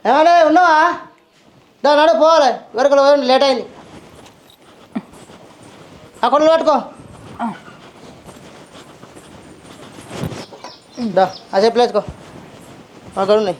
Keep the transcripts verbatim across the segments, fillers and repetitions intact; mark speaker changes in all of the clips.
Speaker 1: ఏమన్నా ఉన్నావా? దాని నడు పోవాలి, వరకు లేట్ అయింది. ఆ కొండలు పట్టుకో. దా ఆ చెప్పులు వేసుకో, అక్కడ ఉన్నాయి.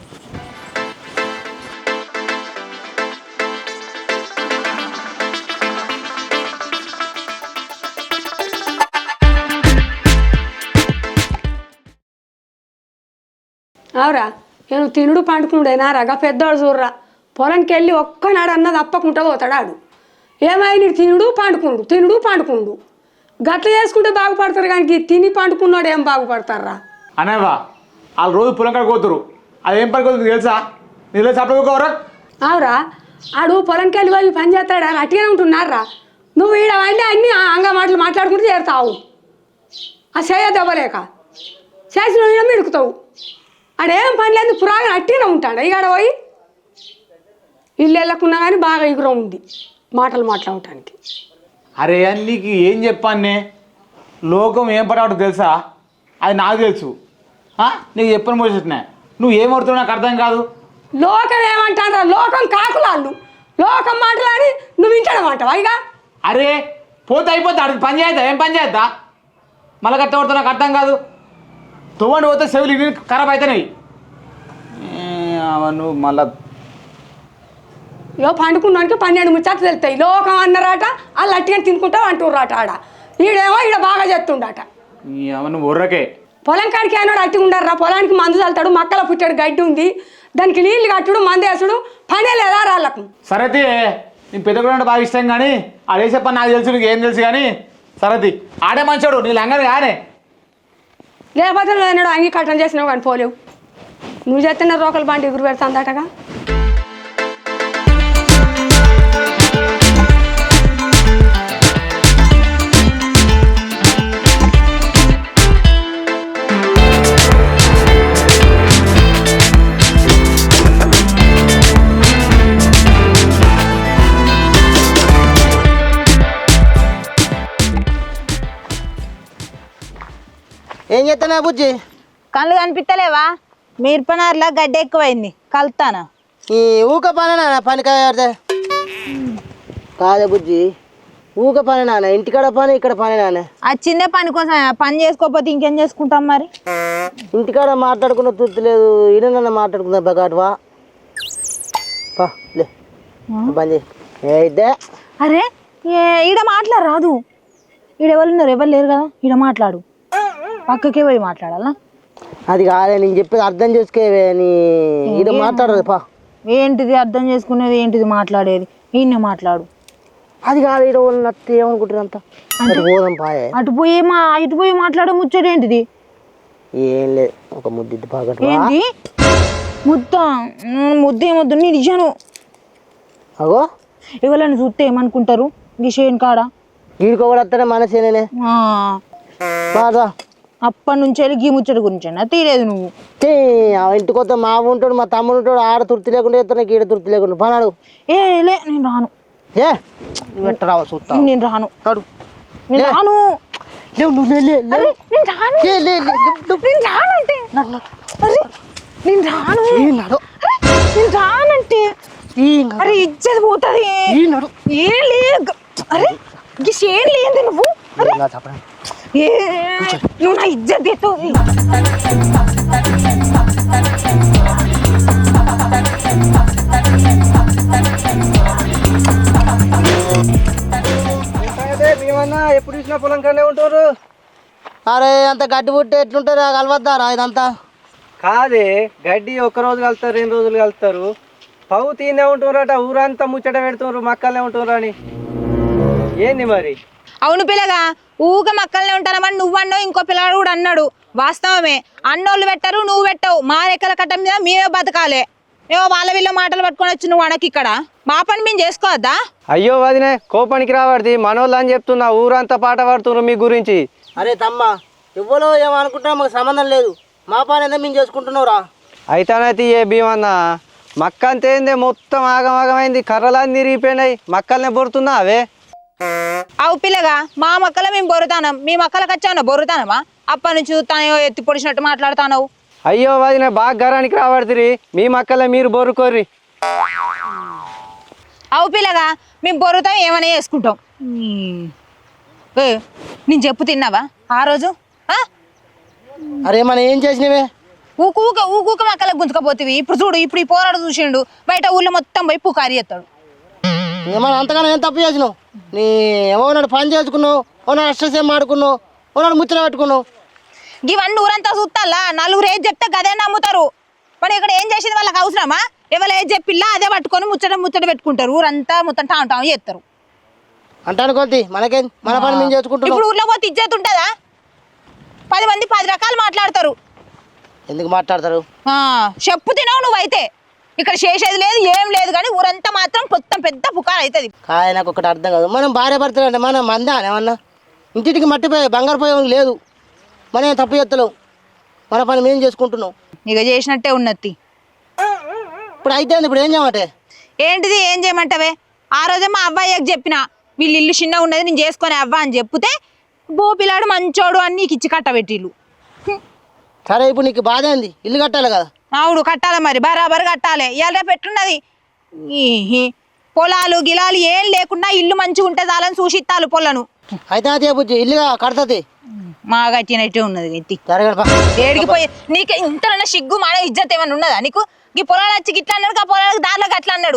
Speaker 2: అవురా, నేను తినుడు పండుకునుడేనా రగా పెద్దవాడు చూడరా. పొలంకి వెళ్ళి ఒక్కనాడు అన్నది అప్పకుంటా పోతాడాడు. ఏమైనా తినుడు పండుకునుడు తినుడు పండుకునుడు గట్ల చేసుకుంటే బాగుపడతారు, కానీ తిని పండుకున్నాడు ఏం బాగుపడతారా?
Speaker 3: అనేవా వాళ్ళు రోజు పొలం కాడికి పోతారు, అది ఏం పని కొడుతుంది తెలుసా? నీళ్ళు చప్పకోరా.
Speaker 2: అవురా, ఆడు పొలంకి వెళ్ళి పోయి పని చేస్తాడా? అట్టిగానే ఉంటున్నారా? నువ్వు ఈడ అన్నీ అన్నీ అంగ మాటలు మాట్లాడుకుంటూ చేరుతావు. ఆ చేయ దెబ్బలేక చేసిన ఈడ మిడుకుతావు. ఆడేం పని లేదు, పురాగా అట్టిగానే ఉంటాడు. ఇక పోయి ఇల్లు వెళ్ళకున్నా కానీ బాగా ఎగుర ఉంది మాటలు మాట్లాడటానికి.
Speaker 3: అరే నీకు ఏం చెప్పానే, లోకం ఏం పడవటం తెలుసా? అది నాకు తెలుసు. నీకు చెప్పని మోసెట్టినా నువ్వు ఏం పడుతున్నావు నాకు అర్థం కాదు.
Speaker 2: లోకం ఏమంటారా? లోకం కాకులాళ్ళు లోకం మాటలాడి నువ్వు వింటాడు అంటావా? ఇక
Speaker 3: అరే పోతే అయిపోతా, అడిగి పని చేద్దా? ఏం పని చేద్దా? మళ్ళీ కట్ట పడుతున్నా నాకు అర్థం కాదు. తువ్వండి పోతే చెవులు ఇవి ఖరాబ్ అవుతున్నాయి. నువ్వు మళ్ళా
Speaker 2: ఇగో పండుకున్నానికి పన్నెండు ముచ్చట్లు తెలుస్తాయి. లోకం అన్నారట, వాళ్ళు అట్టిగా తినుకుంటావు అంటుర్రాట. ఆడ ఈడేమో ఈడ బాగా చేస్తుండట.
Speaker 3: నువ్వు ఉర్రకే
Speaker 2: పొలం కాడికి అన్నాడు అట్టిగా ఉండారా. పొలానికి మందు చల్లుతాడు, మక్కల పుట్టాడు గడ్డి ఉంది, దానికి నీళ్ళు కట్టుడు మందు వేసుడు పనే లేదా రాళ్ళకు.
Speaker 3: సరతి నేను పెద్ద కూడా బాగా ఇష్టం, కానీ ఆడే చెప్పని నాకు తెలుసు, నీకు ఏం తెలుసు. కానీ సరతి ఆడే మంచోడు, నీ లంగని కానీ
Speaker 2: లేకపోతే నువ్వు అన్నాడు అంగీ కట్టం చేసినావు కానీ పోలేవు. నువ్వు చేస్తున్న రోకలు బండి ఎగురు పెడతాందటగా.
Speaker 1: ఏం చేస్తానా బుజ్జి?
Speaker 4: కళ్ళు కనిపిస్తలేవా? మిరపనారులా గడ్డ ఎక్కువైంది, కలుతానా?
Speaker 1: ఈ ఊక పని నాన్న, పని కాదే కాదే బుజ్జి, ఊక పని నాన్న. ఇంటికాడ పని, ఇక్కడ పని నాన్న.
Speaker 4: ఆ చిన్న పని కోసం పని చేసుకోకపోతే ఇంకేం చేసుకుంటాం మరి?
Speaker 1: ఇంటికాడ మాట్లాడుకున్న తృప్తి లేదు, ఈడ నన్ను మాట్లాడుకుందా బగాటువా పా లే బంద్ చేయిద్దే.
Speaker 4: అరే ఈడ మాట్లాడరాదు, ఈడ ఎవరు ఉన్నారు? ఎవరు లేరు కదా, ఈడ మాట్లాడు. పక్కకే పోయి మాట్లాడాలా?
Speaker 1: అది కాదే, నేను చెప్పేది అర్థం చేసుకోవే. నీ ఈడ మాట్లాడదు పా.
Speaker 4: ఏంటిది అర్థం చేసుకునేది? ఏంటిది మాట్లాడేది? ఈయన మాట్లాడు.
Speaker 1: అది కాదు, ఈడ వాళ్ళు నత్తి ఏమనుకుంటారు అంతా. పోదాం పాయే.
Speaker 4: అటు పోయి మా ఇటు పోయి మాట్లాడే ముచ్చట ఏంటిది?
Speaker 1: ఏం లేదు, ఒక ముద్దు బాగా.
Speaker 4: ఏంటి ముద్ద? ముద్ద ఏమొద్దు, నీ నిజాను.
Speaker 1: అగో
Speaker 4: ఎవరైనా చూస్తే ఏమనుకుంటారు? గిషేన్ కాడ
Speaker 1: గీడుకో కూడా వస్తానే మనసేనే బాగా.
Speaker 4: అప్పటి నుంచి వెళ్ళి గీ ముచ్చట గురించి తీరేదు నువ్వు.
Speaker 1: ఇంటికి వస్తే మా ఉంటాడు, మా తమ్ముడు ఉంటాడు, ఆడ తృప్తి లేకుండా చెప్తాను, గీడ తృప్తి లేకుండా పనాడు.
Speaker 4: ఏ లే నేను రాను.
Speaker 1: ఏ రావు చూస్తా,
Speaker 4: నేను రాను.
Speaker 1: కాడు
Speaker 4: నేను రాను. నేను రానంటే నేను రానంటే అరే ఇచ్చేది పోతుంది. ఏం లేదు, అరే గిషేం లేదు. నువ్వు ఏ నువ్వు నా ఇజ్జత్ ఎత్తుంది.
Speaker 1: ఎప్పుడు చూసినా పొలం కనే ఉంటారు. అరే అంత గడ్డి పుట్టి ఎట్లుంటారు? కలవద్దారా ఇదంతా?
Speaker 5: కాదే, గడ్డి ఒక్కరోజు కలుస్తారు, రెండు రోజులు కలుస్తారు. పవు తీనే ఉంటున్నారట, ఊరంతా ముచ్చట పెడుతున్నారు, మక్కలనే ఉంటున్నారు అని. ఏంది మరి?
Speaker 4: అవును పిల్లగా, ఊగ మక్కలనే ఉంటానమని నువ్వు అన్నావు, ఇంకో పిల్లగాడు కూడా అన్నాడు. వాస్తవమే, అన్నోళ్ళు పెట్టరు, నువ్వు పెట్టవు. మా రెక్కల కట్ట మీద మేమే బతకాలే. ఏమో వాళ్ళ వీళ్ళ మాటలు పట్టుకొని వచ్చి నువ్వు అనకి ఇక్కడ మా పని మేము చేసుకోవద్దా?
Speaker 5: అయ్యో వదినే, కోపానికి రావడిది, మనోళ్ళు అని చెప్తున్నా. ఊరంతా పాట పాడుతున్నారు మీ గురించి.
Speaker 1: అరే తమ్మ, ఇవ్వలో ఏమనుకుంటున్నా మాకు సంబంధం లేదు. మా పని ఎంత మేము చేసుకుంటున్నావురా.
Speaker 5: అయితేనైతే ఏ భీమన్న మక్క అంతేందే, మొత్తం ఆగమాగమైంది, కర్రలన్నీ తిరిగిపోయినాయి. మక్కలనే బొరుతున్నా అవే.
Speaker 4: అవు పిల్లగా, మా మక్కల మేము బొరుతానం, మీ మక్కలకు వచ్చావునా బొరుతానమా? అప్పటి నుంచి చూస్తానో ఎత్తి పొడిచినట్టు మాట్లాడుతావు.
Speaker 5: అయ్యో వదిన బాగా గరానికి రాబడుతుంది మీ మక్కలే మీరు బొరుకోర్రి.
Speaker 4: అవు పిల్లగా మేము బొరుతాం ఏమైనా చేసుకుంటాం. ఏ, నేను చెప్పు తిన్నావా ఆ రోజు? ఆ?
Speaker 1: అరే మనం ఏం చేసినవే?
Speaker 4: ఊకు ఊక ఊకూక మక్కలకు గుంజుకపోతేవి. ఇప్పుడు చూడు, ఇప్పుడు ఈ పోరాడు చూసిండు బయట ఊళ్ళో మొత్తం పోయి పుకారి ఎత్తాడు.
Speaker 1: ఏమన్నా అంతగానో ఏం తప్పు చేసినావు? నీ ఏమన్నాడు పని చేసుకున్నావు, ఓనాడు అష్టసేం ఆడుకున్నావు, ఓనాడు ముచ్చట పెట్టుకున్నావు.
Speaker 4: ఇవన్నీ ఊరంతా చూస్తాలా? నలుగురు ఏది చెప్తే గదే నమ్ముతారు. మరి ఇక్కడ ఏం చేసింది వాళ్ళకి అవసరమా? ఎవరు ఏది చెప్పిల్లా అదే పట్టుకొని ముచ్చట ముచ్చట పెట్టుకుంటారు. ఊరంతా మొత్తం టాం టాం చేస్తారు.
Speaker 1: అంటాను కొద్ది మనకేం, మన పని మేము చేసుకుంటున్నాం.
Speaker 4: ఇప్పుడు ఊర్లో పోతే ఇజ్జత్ ఉంటుందా? పది మంది పది రకాలు మాట్లాడతారు.
Speaker 1: ఎందుకు మాట్లాడతారు?
Speaker 4: చెప్పు తినవు నువ్వైతే. ఇక్కడ చేసేది లేదు ఏం లేదు, కానీ ఊరంతా మాత్రం మొత్తం పెద్ద పుకారు అవుతుంది.
Speaker 1: కాయ నాకు ఒకటి అర్థం కాదు. మనం భార్య భర్తలు అంటే మనం మందా ఏమన్నా ఇంటికి మట్టిపోయి బంగారు పోయి లేదు. మనం ఏం తప్పు చేస్తలేవు, మన పని మేము చేసుకుంటున్నాం.
Speaker 4: ఇక చేసినట్టే ఉన్నది.
Speaker 1: ఇప్పుడు అయితే ఇప్పుడు ఏం చేయమంటే?
Speaker 4: ఏంటిది ఏం చేయమంటావే? ఆ రోజే మా అబ్బాయికి చెప్పిన, వీళ్ళు ఇల్లు చిన్న ఉన్నది నేను చేసుకొని అవ్వ అని చెప్తే, బో పిల్లాడు మంచోడు అని నీకు ఇచ్చి కట్టబెట్టిల్లు.
Speaker 1: సరే ఇప్పుడు నీకు బాధ ఏంది? ఇల్లు కట్టాలి కదా.
Speaker 4: అవును కట్టాలి, మరి బరాబర్ కట్టాలి. ఇవాళ పెట్టున్నది పొలాలు గిలాలు ఏం లేకుండా ఇల్లు మంచిగా ఉంటే చాలని చూసిత్తాలు పొలను.
Speaker 1: అయితే అదే బుజ్జి ఇల్లుగా కడతది.
Speaker 4: మా గట్టినట్టే ఉన్నది ఎత్తి
Speaker 1: జరగదు.
Speaker 4: ఏడికి పోయి నీకు ఇంతనన్నా సిగ్గు మాడ ఇజ్జత్ ఏమన్నా ఉన్నదా నీకు? ఈ పొలాలు వచ్చి గిట్లా అన్నాడు, ఆ పొలాలకు దారిలోకి అట్లా అన్నాడు.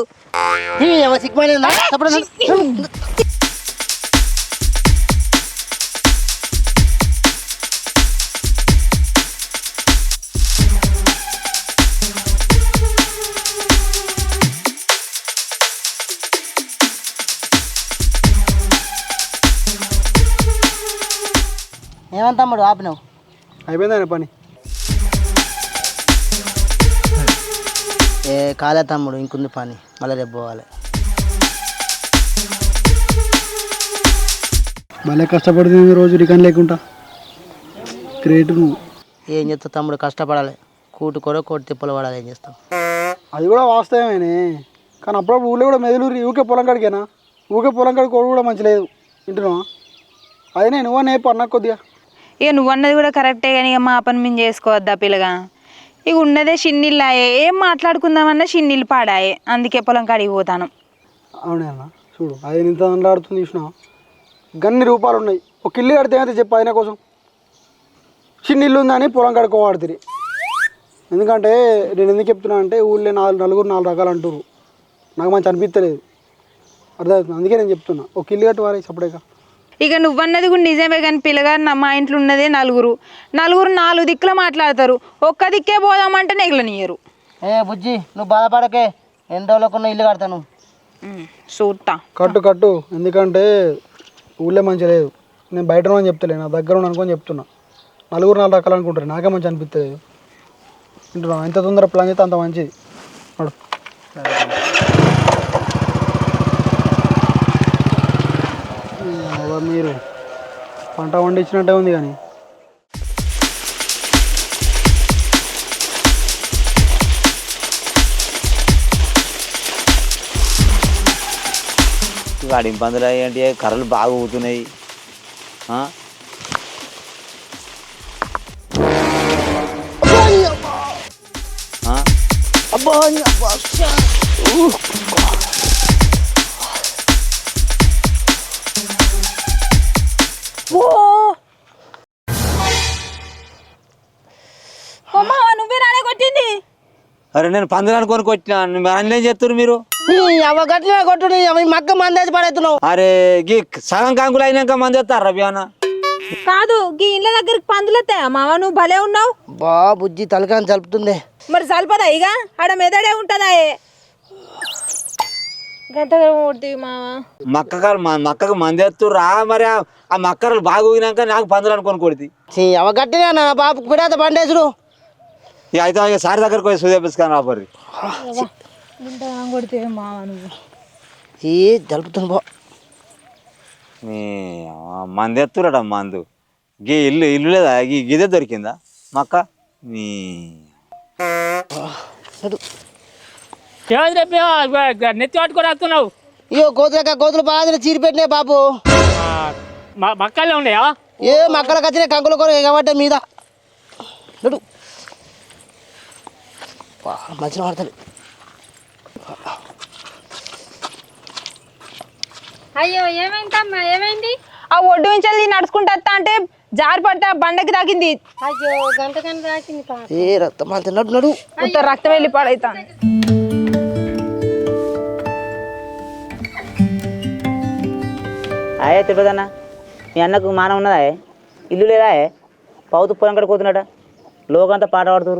Speaker 1: ఏమంత తమ్ముడు ఆపినావు?
Speaker 5: అయిపోయిందా పని?
Speaker 1: ఏ కాలే తమ్ముడు, ఇంకుంది పని, మళ్ళీ రేపు పోవాలి.
Speaker 6: మళ్ళీ కష్టపడుతుంది రోజు రికన్ లేకుండా. గ్రేట్ నువ్వు.
Speaker 1: ఏం చేస్తావు తమ్ముడు, కష్టపడాలి. కూటు కూర కోటి తిప్పలు పడాలి. ఏం చేస్తావు?
Speaker 6: అది కూడా వాస్తవమేనే, కానీ అప్పుడప్పుడు ఊళ్ళో కూడా మెదులు ఊకే పొలం కాడికేనా? ఊకే పొలం కాడికి కోడు కూడా మంచి లేదు. వింటున్నావా? అదే నేను నువ్వు నేపు అన్నా కొద్దిగా.
Speaker 4: ఇక నువ్వు అన్నది కూడా కరెక్టే, కానీ ఇక మా పని మేము చేసుకోవద్దా పిల్లగా? ఇక ఉన్నదే చిన్నిళ్ళాయే, ఏం మాట్లాడుకుందామన్నా చిన్నిళ్ళు పాడాయే, అందుకే పొలం కాడికి పోతాను.
Speaker 6: అవునే అన్న, చూడు అది ఇంత ఆడుతుంది చూసినావా? గన్ని రూపాయలు ఉన్నాయి, ఒక ఇల్లు కడితే ఏమైతే చెప్పు ఆయన కోసం. చిన్న ఇల్లు ఉందని పొలం కడుకోవాడుతుంది. ఎందుకంటే నేను ఎందుకు చెప్తున్నా అంటే ఊళ్ళో నాలుగు నలుగురు నాలుగు రకాలు అంటారు, నాకు మంచి అనిపించలేదు. అర్థమవుతుంది, అందుకే నేను చెప్తున్నా ఒక ఇల్లు కట్టు వారే సపరేట్గా.
Speaker 4: ఇక నువ్వన్నది కూడా నిజమే, కానీ పిల్లగా మా ఇంట్లో ఉన్నదే నలుగురు నలుగురు నాలుగు దిక్కులు మాట్లాడతారు. ఒక్క దిక్కే పోదామంటే నెగలనియరు.
Speaker 1: ఏ బుజ్జి నువ్వు బాధపడకే, ఎన్ని రోజులకున్న ఇల్లు కడతాను.
Speaker 4: చూస్తా
Speaker 6: కట్టు కట్టు, ఎందుకంటే ఊళ్ళో మంచి లేదు. నేను బయట అని చెప్తలే, నా దగ్గర ఉన్న అనుకొని చెప్తున్నా. నలుగురు నాలుగు రకాలు అనుకుంటారు, నాకే మంచి అనిపించలేదు. వింటున్నా, ఎంత తొందర ప్లాన్ చేస్తే అంత మంచిది. నడు. మీరు పంట వండించినట్టే ఉంది కానీ
Speaker 7: వాడి ఇబ్బందులు ఏంటి? కర్రలు బాగా ఊగుతున్నాయి.
Speaker 4: నువ్వే నానే కొట్టింది.
Speaker 7: అరే నేను పందులు అనుకొని కొట్టినా, అందులో ఏం చేస్తారు మీరు?
Speaker 1: అవ గట్టిన కొట్టు, మక్క మందేసి పడేస్తున్నావు.
Speaker 7: అరే గీ సగం కంకులు అయినాక మంది వస్తారు రబియానా?
Speaker 4: కాదు, గీ ఇండ్ల దగ్గరికి పందులు వస్తాయా మావ? నువ్వు భలే ఉన్నావు.
Speaker 1: బా బుజ్జి తలకాని చలుపుతుంది.
Speaker 4: మరి సల్పదా ఇక ఆడ మెదడే ఉంటుందా? గంటగా కొడుతుంది మావ.
Speaker 7: మక్క మక్కకు మంది వస్తుర్రా, మరి ఆ మక్కలు బాగా ఊగినాక నాకు పందులు అనుకొని కొడుతుంది.
Speaker 1: అవ గట్టినా నా బాబుకు పిడాత పండేసుడు.
Speaker 7: ఇక అయితే ఇక సారి దగ్గరకు పోయి సూదేపిస్తాను రాబర్రి.
Speaker 4: కొడితే మావ నువ్వు
Speaker 1: ఈ జలుపుతుంది బా.
Speaker 7: మంది ఎత్తురట మందు. గీ ఇల్లు ఇల్లు లేదా? గీ గిదే దొరికిందా మక్క? నీ
Speaker 8: నెత్తి పట్టుకొని వస్తున్నావు.
Speaker 1: ఇయో కోతులక కోతులు బాగా చీరి పెట్టినాయి బాబు.
Speaker 8: మక్కలే ఉన్నాయా?
Speaker 1: ఏ మక్కలకు వచ్చినాయి కంకుల కూర కాబట్టి మీద. మంచిగా పడతాడు.
Speaker 9: అయ్యో ఏమైందమ్మా ఏమైంది?
Speaker 4: ఆ ఒడ్డు నుంచి నడుచుకుంటా అంటే జారి పడితే ఆ బండకి తాకింది.
Speaker 9: అయ్యో గంట గంట తాకింది పాప.
Speaker 1: ఏ రక్తం అంత నడు నడు
Speaker 4: ఇంత రక్తం వెళ్ళి పడైతాను.
Speaker 10: అయ్యే తిరుపతన్న, మీ అన్నకు మానం ఉన్నదా? ఇల్లు లేదా? పౌతు పొలం కడ పోతున్నాడ, లోకంతా పాట పాడుతురు.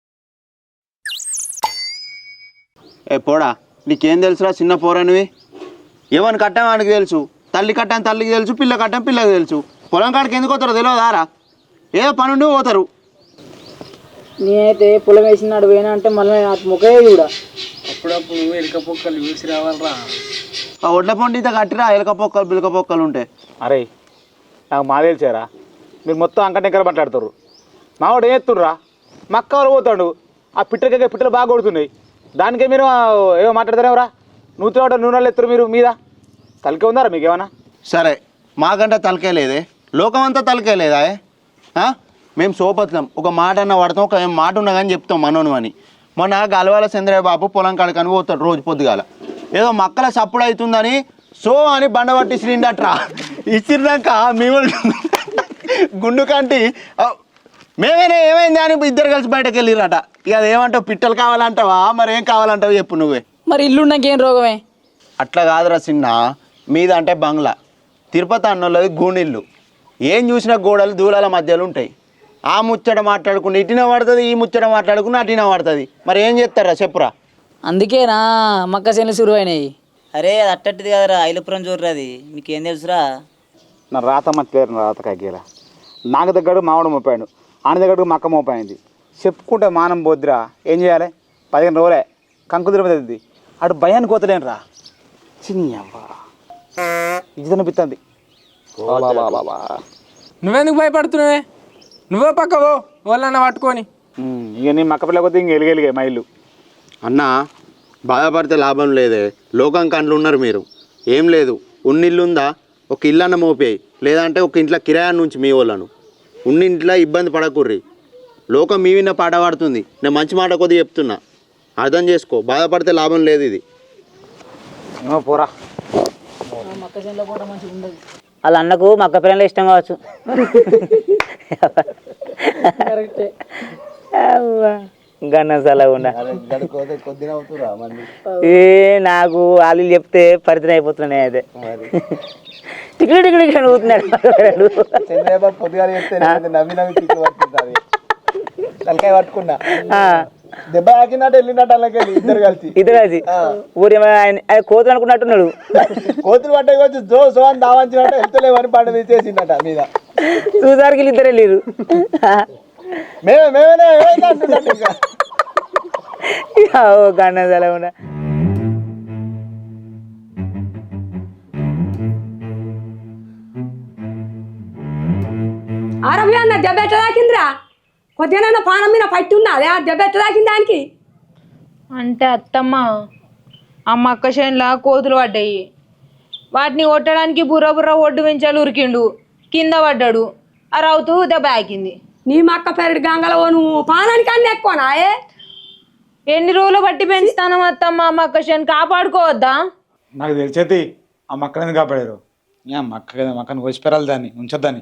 Speaker 7: ఏ పోడా, నీకేం తెలుసురా చిన్న పోరానివి? ఏమని కట్టాం వానికి తెలుసు, తల్లి కట్టాను తల్లికి తెలుసు, పిల్ల కట్టాం పిల్లకి తెలుసు. పొలం కాడికి ఎందుకు పోతారో తెలియదారా? ఏదో పనుండి పోతారు.
Speaker 10: నేనైతే పొలం వేసినాడు పోయినా అంటే మళ్ళీ ముఖే కూడా
Speaker 5: అప్పుడప్పుడు ఎలుక పొక్కలు చూసి రావాలరా.
Speaker 7: ఆ ఒడ్ల పొండి ఇంత కట్టిరా, ఎలక పొక్కలు పిలక పొక్కలు ఉంటాయి.
Speaker 3: అరే నాకు మా తెలిసారా, మీరు మొత్తం అంకటెంకర మాట్లాడుతారు. మావాడు ఏం ఎత్తుర్రా, మక్క వాళ్ళు పోతాడు. ఆ పిట్టలకే పిట్టలు బాగా కొడుతున్నాయి, దానికే మీరు ఏమో మాట్లాడతారేమరా? నూతిలో నూనెలు ఎత్తురు మీరు మీద. తలకే ఉందారా మీకు ఏమన్నా?
Speaker 7: సరే, మాకంటే తలకే లేదే, లోకం అంతా తలకే లేదా? మేము సోపత్లం, ఒక మాట అన్న పడతాం, ఒక మాట ఉన్నా కానీ చెప్తాం మనోను అని. మొన్న గలవాల చంద్రయ్య బాబు పొలం కాడికని పోతాడు రోజు పొద్దుగాల. ఏదో మక్కల సప్పుడు అవుతుందని సో అని బండ పట్టి ఇసిరిండట్రా. ఇసిరినాక మేము గుండు కంటి మేమేనే ఏమైంది అని ఇద్దరు కలిసి బయటకు వెళ్ళిరట. ఇక అదేమంటావు, పిట్టలు కావాలంటావా మరి ఏం కావాలంటావు చెప్పు నువ్వే.
Speaker 10: మరి ఇల్లు నాకేం రోగమే?
Speaker 7: అట్లా కాదురా చిన్న, మీద అంటే బంగ్లా, తిరుపతి అన్నోళ్ళది గూనిల్లు. ఏం చూసినా గోడలు దూలాల మధ్యలో ఉంటాయి. ఆ ముచ్చట మాట్లాడుకుని ఇటిన పడుతుంది, ఈ ముచ్చట మాట్లాడుకుని అటిన పడుతుంది. మరి ఏం చేస్తారా చెప్పురా?
Speaker 10: అందుకేనా మక్క చేనులు సురువు అయినాయి. అరే అది అట్టట్టిది కదరా, ఐలుపురం చూడరా, అది మీకేం తెలుసురా?
Speaker 3: నా రాత మర్చిపోయారు, రాత కాకీరా. నాకు దగ్గర మామిడి మోపాడు, ఆయన దగ్గరకు మక్క మోపాయింది. చెప్పుకుంటే మానం పోద్దిరా. ఏం చేయాలి? పదిహేను రోజులే కంకు తిరుపతి. అటు భయానికి పోతలేను రా. చిన్న ఇది అనిపిస్తుంది.
Speaker 5: నువ్వెందుకు భయపడుతున్నావే? నువ్వే పక్కవో వాళ్ళన్న పట్టుకొని.
Speaker 3: ఇక నీ మక్క పిల్ల కొద్ది ఇంక ఎలిగెలిగే మా ఇల్లు.
Speaker 7: అన్న బాధపడితే లాభం లేదే, లోకం కండ్లు ఉన్నారు మీరు. ఏం లేదు, ఉన్నిల్లుందా ఒక ఇల్లన్న మోపేయి, లేదంటే ఒక ఇంట్లో కిరాయాన్ని నుంచి మీ వాళ్ళను. ఉన్నింట్లో ఇబ్బంది పడకుర్రి, లోకం మీ విన్న పాట పాడుతుంది. నేను మంచి మాట కొద్దిగా చెప్తున్నా, అర్థం చేసుకో. బాధపడితే లాభం లేదు ఇది.
Speaker 3: ఏమో పోరా.
Speaker 10: వాళ్ళ అన్నకు మక్క పిల్లలు ఇష్టం కావచ్చు. గన్నసలా ఉన్నా ఏ నాకు వాళ్ళు చెప్తే పరిచయం అయిపోతున్నాయి. అయితే టికెట్ టికెట్ నవ్వుతున్నాడు.
Speaker 5: తలకాయ పట్టుకున్నా, దెబ్బ ఆకినట్టు వెళ్ళినట్టు అలాగే ఇద్దరు కలిసి
Speaker 10: ఇద్దరు కలిసి ఊరి కోతులు అనుకున్నట్టున్నాడు.
Speaker 5: కోతులు పట్టకొచ్చి జో సో అని దావంచినట్టు వెళ్తలేమని పంట తీసేసిందట మీద.
Speaker 10: చూసారికి ఇద్దరు వెళ్ళారు.
Speaker 5: మేమే మేమేనే ఏమైంది అంటున్నట్టు ఇంకా.
Speaker 10: గన్నసలా ఉన్నా
Speaker 2: ఆరోగ్యం అన్న దెబ్బ ఎట్లా తాకిందిరా? కొద్దిగా పానం మీద పట్టి ఉన్నది, ఆ దెబ్బ ఎట్లా తాకింది దానికి?
Speaker 4: అంటే అత్తమ్మ ఆ మక్క చేనులా కోతులు పడ్డాయి. వాటిని కొట్టడానికి బుర్ర బుర్ర ఒడ్డు వెంచాలు ఉరికిండు, కింద పడ్డాడు. ఆ రౌతు దెబ్బ ఆకింది.
Speaker 2: నీ మక్క పెరటి గంగలో నువ్వు పానానికి అన్నీ ఎక్కువనా? ఏ
Speaker 4: ఎన్ని రోజులు బట్టి పెంచుతాను అత్తమ్మ మక్క చేను, కాపాడుకోవద్దా?
Speaker 3: నాకు తెలిసేది ఆ మక్కని కాపాడారు. ఏ మక్క కదా, మక్కని కోసిపెరాలి, దాన్ని ఉంచొద్దని.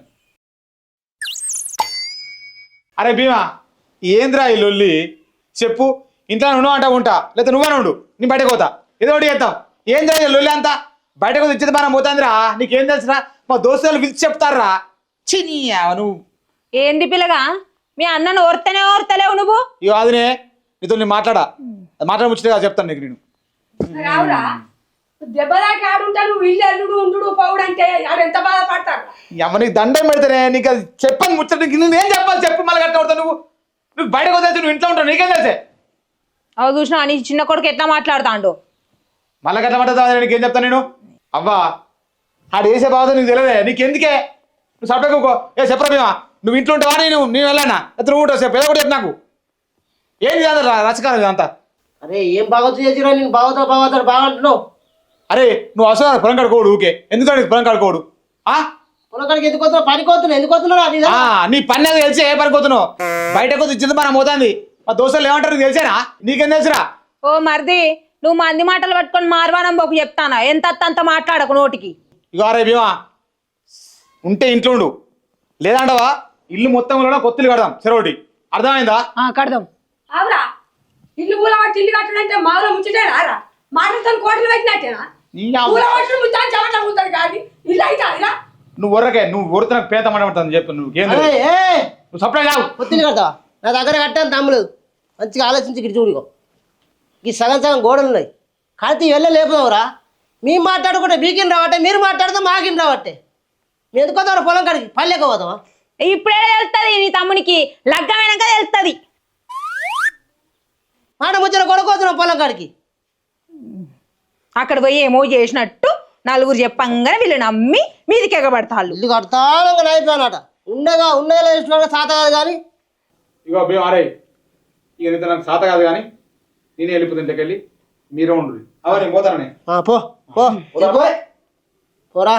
Speaker 3: అరే భీమా, ఏంద్రా ఈ లొల్లి? చెప్పు. ఇంట్లో ఉండవు అంటా ఉంటా, లేదా నువ్వే ఉండు, నేను బయటకు పోతా. ఏదో ఒకటి చేస్తావు. ఏం జరిగింది లొల్లి అంతా? బయటకు ఇచ్చేది మనం పోతాందిరా. నీకేం తెలుసురా? మా దోస్తులు పిలిచి చెప్తారా? చిని నువ్వు
Speaker 4: ఏంది పిల్లగా, మీ అన్నను ఓర్తనే ఓర్తలేవు నువ్వు?
Speaker 3: ఇక అదినే నీతో నేను మాట్లాడా, మాట్లాడ ముచ్చటగా చెప్తాను నీకు. నేను
Speaker 2: రావురా, దెబ్బ దాకా ఆడుంటా నువ్వు ఇల్లు అల్లుడు ఉండు పౌడు అంటే ఆడు ఎంత బాధపడతాడు.
Speaker 3: అమ్మ నీకు దండం పెడితేనే నీకు అది చెప్పని ముచ్చట. నీకు నువ్వేం చెప్పాలి చెప్పు, మళ్ళీ కట్ట కొడతావు నువ్వు. నువ్వు బయటకు వదిలేసి నువ్వు ఇంట్లో ఉంటావు, నీకేం తెలిసే?
Speaker 4: అవి చూసినా నీ చిన్న కొడుకు ఎట్లా మాట్లాడుతాండు.
Speaker 3: మళ్ళీ గట్ల మాట్లాడతా, నీకేం చెప్తాను నేను? అవ్వా ఆడు వేసే బాధ నీకు తెలియదే, నీకెందుకే? నువ్వు సపరేట్గా ఏ చెప్పరా భీమా, నువ్వు ఇంట్లో ఉంటావా? నేను నేను వెళ్ళానా? అయితే నువ్వు ఉంటావు చెప్పు, ఏదో కూడా చెప్పు నాకు. ఏంది కాదు రచకాలం ఇదంతా.
Speaker 1: అరే ఏం బాగోతు చేసిరా? నీకు బాగోతాడు బాగోతాడు బాగుంటున్నావు.
Speaker 3: అరే నువ్వు అసలు పొలం కడుకోడు ఊకే, ఎందుకంటే పొలం కడుకోడు?
Speaker 1: పొలకాడికి ఎందుకు వస్తున్నావు? పనికి వస్తున్నావు, ఎందుకు వస్తున్నావు? అది
Speaker 3: నీ పని అది తెలిసి ఏ పనికి వస్తున్నావు? బయటకు వచ్చి ఇచ్చింది మనం పోతుంది. మా దోస్తులు ఏమంటారు నీకు తెలిసేనా? నీకేం తెలుసురా?
Speaker 4: ఓ మరిది నువ్వు మంది మాటలు పట్టుకొని మార్వానం పోకు చెప్తానా ఎంత అంత మాట్లాడకు నోటికి.
Speaker 3: ఇగో రే భీమా ఉంటే ఇంట్లో ఉండు, లేదంటవా ఇల్లు మొత్తం కూడా కొత్తలు కడదాం చెరోటి. అర్థమైందా?
Speaker 2: కడదాం. అవురా ఇల్లు పూల పట్టి ఇల్లు కట్టడంటే మాలో ముచ్చటేనా రా? మాటలతో కోటలు పెట్టినట్టేనా? పూల పట్టులు ముచ్చాను చెమట కూతాడు కానీ ఇల్లు అయితే అదిరా.
Speaker 3: నువ్వు వర్రకే నువ్వు ఊరితో నాకు పేద మాట్లాడుతుంది చెప్పు. నువ్వు ఏం
Speaker 1: అరే, ఏ
Speaker 3: నువ్వు సప్లై కావు.
Speaker 1: పొత్తిల్లు కడతావా? నా దగ్గర కట్టాను తమ్ముడు, మంచిగా ఆలోచించి ఇక్కడ చూడుకో. ఈ సగం సగం గోడలు ఉన్నాయి, కడితే వెళ్ళ లేపుదావురా. మేము మాట్లాడుకుంటే మీకిన రావట్టే, మీరు మాట్లాడితే మాకిన రావట్టే. మీ ఎందుకు పోతావు పొలం కాడికి? పల్లెక పోతావా?
Speaker 4: ఇప్పుడే తెలుస్తుంది నీ తమ్మునికి, లగ్గమైనాక తెలుస్తుంది.
Speaker 1: మాట ముచ్చిన కొడుకోతున్నావు పొలం కాడికి.
Speaker 4: అక్కడ పోయి ఏమో చేసినట్టు నలుగురు చెప్పంగానే వీళ్ళు నమ్మి మీదికి ఎగబడతాళ్ళు.
Speaker 1: ఇల్లు కడతానంగా అయిపోయానట. ఉండగా ఉండేలా ఇష్టంగా సాత కాదు కానీ.
Speaker 3: ఇగో భీమా అరే, ఇక నీతో నాకు సాత కాదు కానీ నేనే వెళ్ళిపోతుంది ఇంటికెళ్ళి మీరే ఉండు. అవ నేను పోతానని.
Speaker 1: ఆ, పో పో పో. పోరా.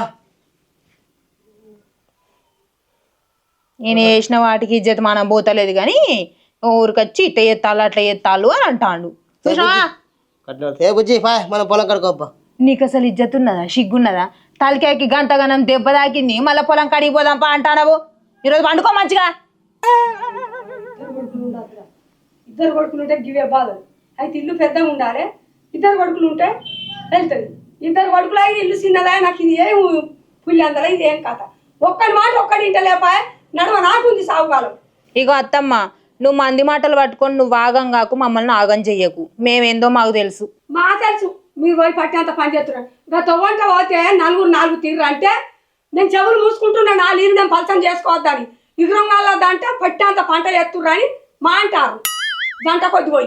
Speaker 4: నేను వేసిన వాటికి ఇజ్జత్ మనం పోతలేదు కానీ ఊరికొచ్చి ఇట్ట ఎత్తాలు అట్లా ఎత్తాలు అని అంటాడు. చూసినావా?
Speaker 1: ఏ బుజ్జి పాయ్ మనం పొలం కడుకోబ్బా.
Speaker 4: నీకు అసలు ఇజ్జత్ ఉన్నదా, సిగ్గున్నదా? తలకాయకి గంటగనం దెబ్బ తాకింది, మళ్ళీ పొలం కడిగి పోదాంపా అంటానవు. ఈరోజు పండుకో మంచిగా.
Speaker 2: ఇద్దరు కొడుకులు ఉంటే గివే బాధలు. అయితే ఇల్లు పెద్దగా ఉండాలి, ఇద్దరు కొడుకులు ఉంటే వెళ్తుంది. ఇద్దరు కొడుకులు అయితే ఇల్లు చిన్నదా, నాకు ఇది ఏం పుల్లి అందలా, ఇది ఏం కథ. ఒక్కడి మాట ఒక్కడి ఇంట లేపాయ నడవ నాకుంది సాగుకాలం.
Speaker 4: ఇగో అత్తమ్మ, నువ్వు మంది మాటలు పట్టుకొని నువ్వు ఆగం కాకు, మమ్మల్ని ఆగం చెయ్యకు. మేమేందో మాకు తెలుసు.
Speaker 2: మా తెలుసు మీరు పోయి పట్టినంత పని చేస్తున్నారు. ఇంకా తొవ్వంట పోతే నలుగురు నాలుగు తీర్రు అంటే నేను చెవులు మూసుకుంటున్నా, నా నీరు నేను పలసం చేసుకోవద్దని. ఇగురంగాల దంటే పట్టినంత పంట చేస్తుర్రు అని మా అంటారు. గంట కొద్ది పోయి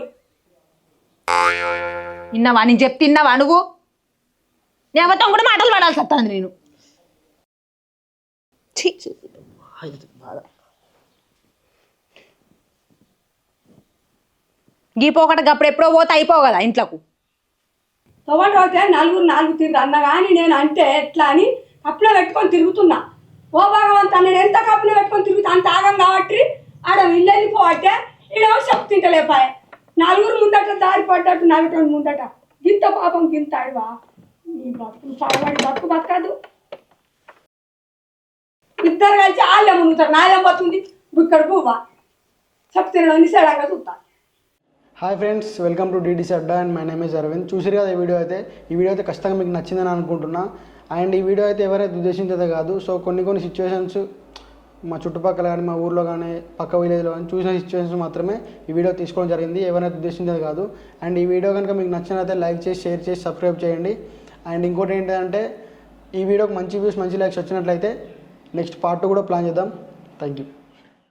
Speaker 4: విన్నావా? నేను చెప్తే తిన్నావా నువ్వు? నేమతం కూడా మాటలు పడాల్సి వస్తుంది నేను. గీపోకట అప్పుడు ఎప్పుడో పోతే అయిపోవు కదా ఇంట్లోకు.
Speaker 2: తొవ్వంట పోతే నలుగురు నాలుగు తీర్రు అన్న కానీ నేను అంటే ఎట్లా అని కప్పులో పెట్టుకొని తిరుగుతున్నా. ఓ భగవంత నేను ఎంత కప్పులో పెట్టుకొని తిరుగుతా అంత ఆగం కాబట్టి ఆడ ఇల్లు వెళ్ళిపోవట్టే ఈడో చెప్పు తింటలేపాయే. నలుగురు ముందట దారి పడ్డట్టు నలుగురు ముందట గింత పాపం గింత అడివా. ఈ బతుకు పడబడి బతుకు బతకదు. ఇద్దరు కలిసి వాళ్ళే మునుగుతారు, నాయం పోతుంది బుక్కడ పువ్వా చెప్పు తినడం నిసేడంగా చూస్తా.
Speaker 6: Hi friends, welcome to DDC Adda and my name is Aravind. చూసారు కదా ఈ వీడియో అయితే. ఈ వీడియో అయితే ఖచ్చితంగా మీకు నచ్చిందని అనుకుంటున్నా. అండ్ ఈ వీడియో అయితే ఎవరైతే ఉద్దేశించేదే కాదు. సో కొన్ని కొన్ని సిచ్యువేషన్స్ మా చుట్టుపక్కల కానీ మా ఊర్లో కానీ పక్క విలేజ్లో కానీ చూసిన సిచ్యువేషన్స్ మాత్రమే ఈ వీడియో తీసుకోవడం జరిగింది, ఎవరైతే ఉద్దేశించేది కాదు. అండ్ ఈ వీడియో కనుక మీకు నచ్చినట్లయితే లైక్ చేసి షేర్ చేసి సబ్స్క్రైబ్ చేయండి. అండ్ ఇంకోటి ఏంటంటే ఈ వీడియోకి మంచి వ్యూస్ మంచి లైక్స్ వచ్చినట్లయితే నెక్స్ట్ పార్ట్ కూడా ప్లాన్ చేద్దాం. Thank you.